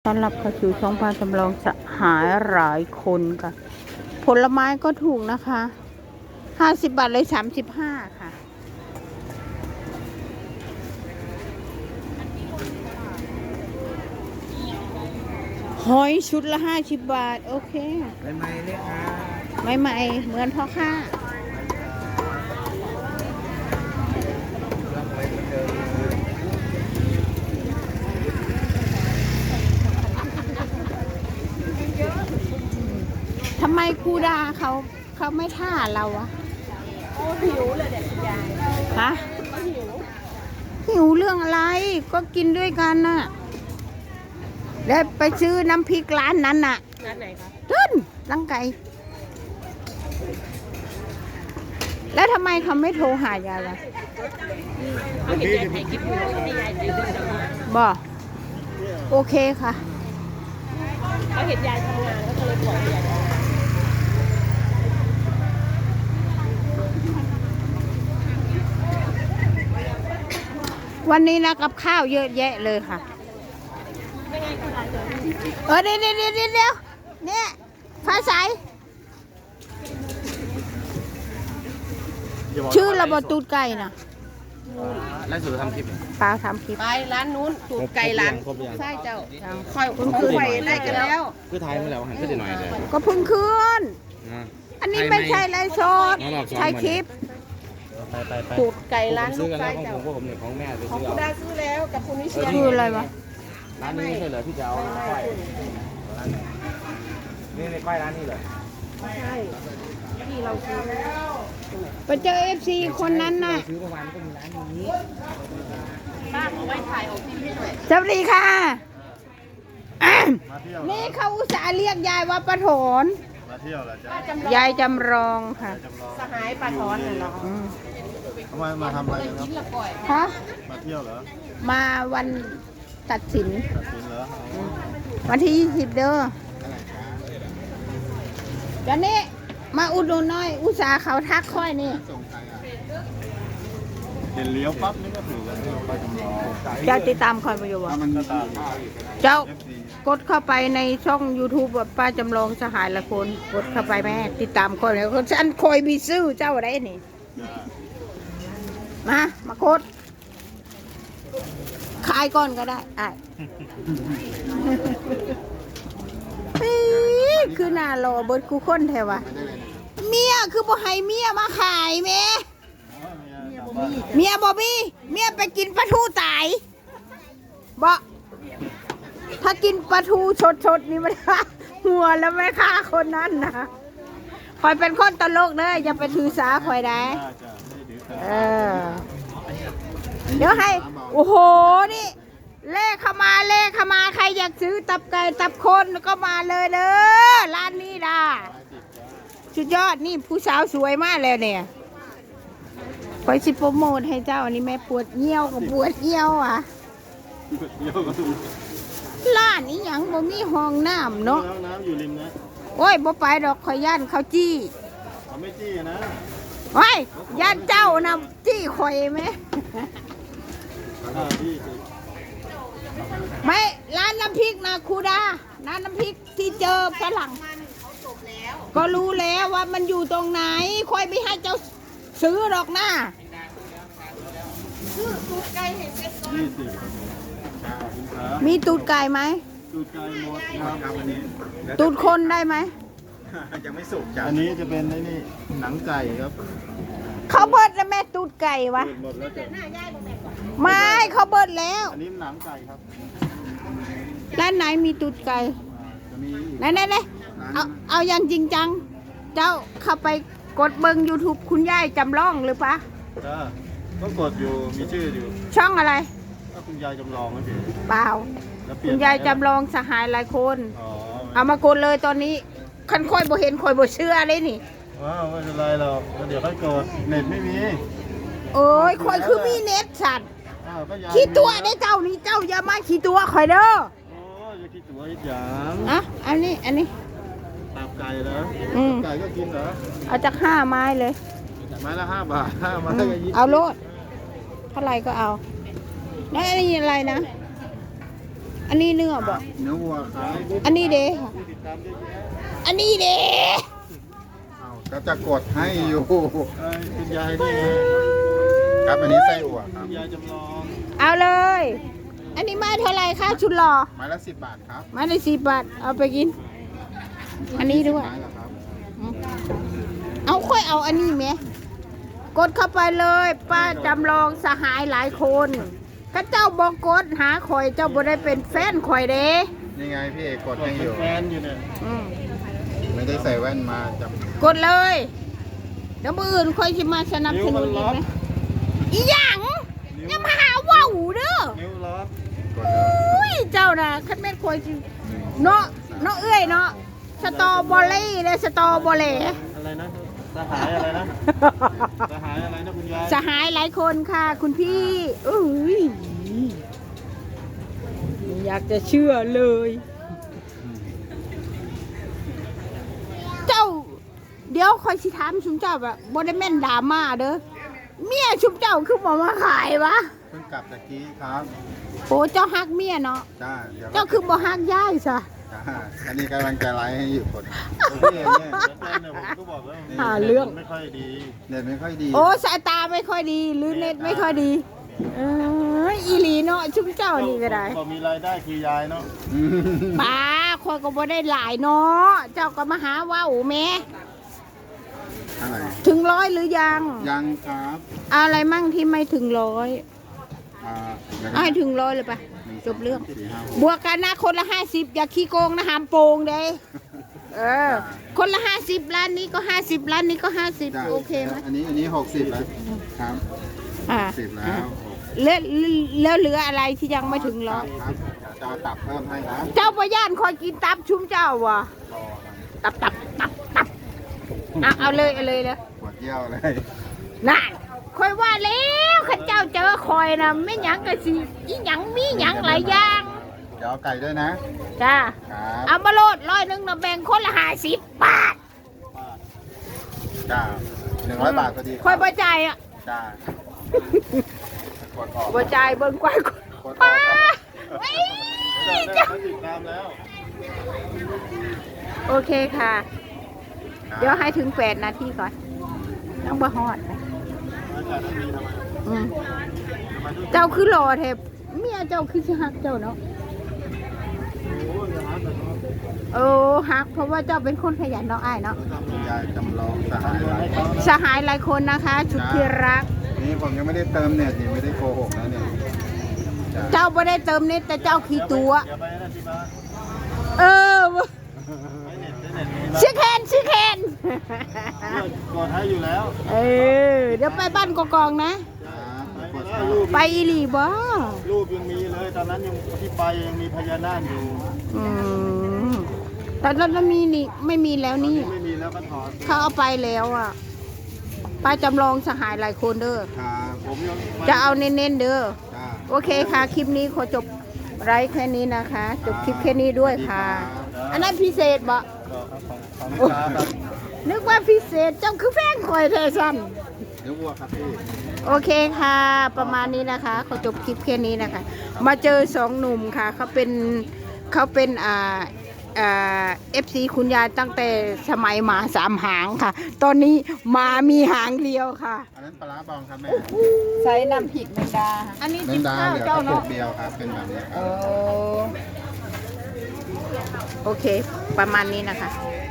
ต้อนรับเข้าสู่ช่องพาจำลองสหายหลายคนค่ะ ผลไม้ก็ถูกนะคะ50 บาทเลย35ค่ะหอยชุดละ50 บาท โอเคใหม่ๆเลยค่ะใหม่ๆเหมือนพ่อค้าทำไมครูดาเขาไม่ท่าเราอะหิวเลยเด็กยายฮะหิวเรื่องอะไรก็กินด้วยกันน่ะได้ไปซื้อน้ำพริกร้านนั้นน่ะร้านไหนคะขึ้นรังไก่แล้วทำไมเขาไม่โทรหายายล่ะเขาเห็นยายถ่ายคลิปอยู่ให้ยายถ่ายรูปแล้วบอกโอเคค่ะเขาเห็นยายทำงานก็เลยบอกยายวันนี้นะกับข้าวเยอะแยะเลยค่ะเดี๋ยวเนี่ยฟ้าใสชื่อระบบตูดไก่นะแล้วสุดทำคลิปเปล่าทำคลิปไปร้านนู้นตูดไก่ร้านใช่เจ้าค่อยคุณคือไปได้กันแล้วคือไทยมาแล้วหันขึ้นหน่อยเลยก็เพิ่งขึ้นอันนี้ไม่ใช่ไลฟ์สดใช่คลิปตูดไก่ร้านซื้ลูอก กันไก่แล้วของเจ้าผมเนี่ยของแม่ไปของซื้อคุณได้ซื้อแล้วกับคุณนิเชียคืออะไรวะร้านนี้ใช่เหรอที่จะเอาก้อยร้านไหนนี่ในก้อยร้านนี้เหรอใช่ที่เราซื้อไปเจอFC คนนั้นน่ะซื้อเมื่อวานก็มีร้านนี้ป้าเอาไว้ถ่ายออกทีวีหน่อยสวัสดีค่ะนี่เขาอุตส่าห์เรียกยายว่าป้าถอนมาเที่ยวเหรอจ๊ะยายจำลองค่ะสหายปลาถอนน่ะเหรอทำไมมาทำอะไรกันครับฮะมาเที่ยวเหรอมาวันตัดสินตัดสินเหรอวันที่20เด้อเดี๋ยวนี้มาอุดหนุนหน่อยอุตส่าห์เขาทักค่อยนี่เห็นเลี้ยวปั๊บนี่ก็ถือว่าไปจำลองเจ้าติดตามคอยประโยชน์มันก็ตามเจ้ากดเข้าไปในช่อง YouTube แบบป้าจำลองสหายละคนกดเข้าไปแม่ติดตามคอยแล้วฉันคอยมีซื้อเจ้าอะไรนี่มากดขายก่อนก็ได้คือหน้ารอเบิดกูคนแถวะเมียคือบ่ให้เมียมาขายแม่เมียบ่มีเมียไปกินปลาทูตายบ่ถ้ากินปลาทูสดๆนี่มันหัวแล้วไม่ฆ่าคนนั้นนะคอยเป็นคนตลกเลยอย่าไปถือสาคอยได้เดี๋ยวให้โอ้โหนี่เลขเข้ามาใครอยากซื้อตับไก่ตับคนก็มาเลยเด้อร้านนี้ด่าสุดยอดนี่ผู้สาวสวยมากเลยเนี่ยคอยสิโปรโมทให้เจ้าอันนี้แม่ปวดเยี่ยวกับปวดเยี่ยวอ่ะร้านนี้ยังบ่มีห้องน้ำเนาะน้ำอยู่ริมนะโอ้ยบ่ไปดอกคอยย่านเขาจี้เขาไม่จี้นะโอ้ยย่านเจ้านะจี้คอยไหมไม่ร้านน้ำพริกนะครูดาร้านน้ำพริกที่เจอฝรั่งก็รู้แล้วว่ามันอยู่ตรงไหนคอยไม่ให้เจ้าซื้อหรอกนะซื้อตูดไก่ให้เสร็จก่อนมีตูดไก่ไหมตูดไก่หมดครับอันนี้ตูดคนได้ไหมยังไม่สุกจ้ะอันนี้จะเป็นนี่หนังไก่ครับเขาเบิดแล้วแม่ตูดไก่วะหมดแล้วจ้ะไม่เขาเบิดแล้วอันนี้หนังไก่ครับร้านไหนมีตูดไก่ไหนเอาอย่างจริงจังเจ้าเข้าไปกดเบิ้ง YouTube คุณยายจำลองหรือปะจ้าก็กดอยู่มีชื่ออยู่ช่องอะไรก็คุณยายจำลองนะพี่เปล่าคุณยายจำลองสหายหลายคนเอามากดเลยตอนนี้คันค่อยบ่เห็นค่อยบ่เชื่อเลยนี่ว้าวไม่เป็นไรหรอกเดี๋ยวค่อยกดเน็ตไม่มีโอ้ยค่อยคือมีเน็ตสัตว์ขี้ตัวได้เจ้านี่เจ้าอย่ามาขี้ตัวค่อยเด้อโอ้ยอย่าขี้ตัวอีกอย่างอันนี้ตับไก่เหรอไก่ก็กินเหรอเอาจาก5 ไม้เลยไม้ละ5 บาท5 ไม้ก็20 เอาโลดเท่าไรก็เอาแล้วอันนี้อะไรนะอันนี้เนื้อบ่เนื้อวัวครับอันนี้เด้ค่ะอันนี้เด้อ้าวก็จะกดให้อยู่คุณยายนี่ครับอันนี้ไส้อั่วครับยายจำลองเอาเลย อันนี้ไม้เท่าไหร่คะชุดหล่อไม้ละ10 บาทครับไม้ละ10 บาทเอาไปกิน อันนี้ด้วยไม้ละครับเอาค่อยเอาอันนี้ไหมกดเข้าไปเลยป้าจำลองสหายหลายคนถ้าเจ้าบอกกดหาข่อยเจ้าบ่ได้เป็นแฟนข่อยเด้นี่ไงพี่เอกกดให้อยู่แฟนอยู่เนี่ยอืมไม่ได้ใส่แว่นมาจับกดเลยเดี๋ยวมืออื่นค่อยสิมาสนับสนุนอีกไหมอีหยังอย่ามาหาว่าวเด้อนิ้วล็อกกดเลยอุ้ยเจ้าน่ะคันแม่นข่อยสิเนาะเอ้ยเนาะสตอเบอรี่และสตอเบอรี่อะไรนะสหายอะไรนะสหายอะไรนะคุณยายสหายหลายคนค่ะคุณพี่อุ้ยไม่อยากจะเชื่อเลย เจ้า เดี๋ยวคอยสิถามชุมเจ้าแบบบไดแม่นดราม่าเด้อเมียชุมเจ้าคือบอกมาขายวะเพิ่งกลับจากกี้ครับโอ้เจ้าฮักเมียเนาะจ้าเดี๋ยวเจ้าคือบ่ฮักย่ายซะจ้าอันนี้กำลังจะไลฟ์ให้อยู่คนพี่เอกเนี่ยแฟนเนี่ยผมก็บอกแล้วหาเรื่องไม่ค่อยดีเน็ตไม่ค่อยดีโอ้สายตาไม่ค่อยดี หรือเน็ตไม่ค่อยดีอีหลีเนาะชุมเจ้านี่ก็ได้ก็มีรายได้คือยายเนาะอืมป้าคอยก็บ่ได้หลายเนาะเจ้าก็มาหาว่าวแม่อะไรถึง100หรือยังยังครับอะไรมั่งที่ไม่ถึง100 ยังเอาให้ถึง100เลยปะจบเรื่อง 4 5 6 บวกกันนะคนละ50อย่าขี้โกงนะหามโปงเด้คนละ50ร้านนี้ก็50ร้านนี้ก็จ้ะ 50โอเคไหมอันนี้60แล้วครับอ่า 10แล้วแล้วเหลืออะไรที่ยังไม่ถึงร้อยครับจะเอาตับเพิ่มให้นะเจ้าประย่านคอยกินตับชุ่มเจ้าวะรอมันตับเอาเลยเลยปวดเยี่ยวเลยนั่นคอยว่าแล้วข้าเจ้าเจอคอยนะไม่หยังก็สิอีหยังมีหยังหลายอย่างเดี๋ยวเอาไก่ด้วยนะจ้าครับเอามาโลด100นะแบ่งคนละ50 บาทจ้า100 บาทพอดีคอยประจ่ายอ่ะจ้ากดออกประจ่ายเบิ่งกวายกดอป้าอกเฮ้ยได้จ้าติดตามแล้วโอเคค่ะ เดี๋ยวให้ถึง8 นาทีก่อนต้องบ่ฮอดนะอาจารย์มีทำไมอืมเจ้าคือหล่อแทบเมียเจ้าคือสิฮักเจ้าเนาะโอ้ยอย่าหาแต่เนาะโอ้ฮักเพราะว่าเจ้าเป็นคนขยันเนาะอ้ายเนาะคุณยายจำลองสหายหลายคนสหายหลายคนนะคะชุดที่รักนี่ผมยังไม่ได้เติมเน็ตนี่ไม่ได้โกหกนะเนี่ยจ้าเจ้าไม่ได้เติมเน็ตแต่เจ้าขี้ตัวอย่าไปนั่นที่บ้านเออไม่เน็ตไม่เน็ตมีชื่อแคนกดให้อยู่แล้วเออเดี๋ยวไปบ้านกองๆนะกดรูปไปอีหลีบ่รูปยังมีเลยตอนนั้นยังที่ไปยังมีพญานาคอยู่อืมแต่เรามีนี่ไม่มีแล้วนี่ไม่มีแล้วก็ถอนเขาเอาไปแล้วอ่ะป้าจำลองสหายหลายคนเด้อครับผมยังจะเอาเน้นๆเด้อจ้าโอเคค่ะ คลิปนี้ขอจบไลฟ์แค่นี้นะคะ จบคลิปแค่นี้ด้วยค่ะ อันนั้นพิเศษบ่ของลูกค้าครับนึกว่าพิเศษเจ้าคือแป้งคอยเทซันเนื้อวัวครับพี่โอเคค่ะ ประมาณนี้นะคะขอจบคลิปแค่นี้นะคะ มาเจอ2 หนุ่มค่ะ เขาเป็นFC คุณยายตั้งแต่สมัยหมา3 หางค่ะ ตอนนี้หมามีหางเดียวค่ะอันนั้นปลาร้าบองครับแม่ใส่น้ำพริกแมงดา อันนี้แมจิ๊งบดาข้าวเหลือกเจ้าระปุเนาะกเดียวครับเป็นแบบนี้คโอรับโอเค ประมาณนี้นะคะค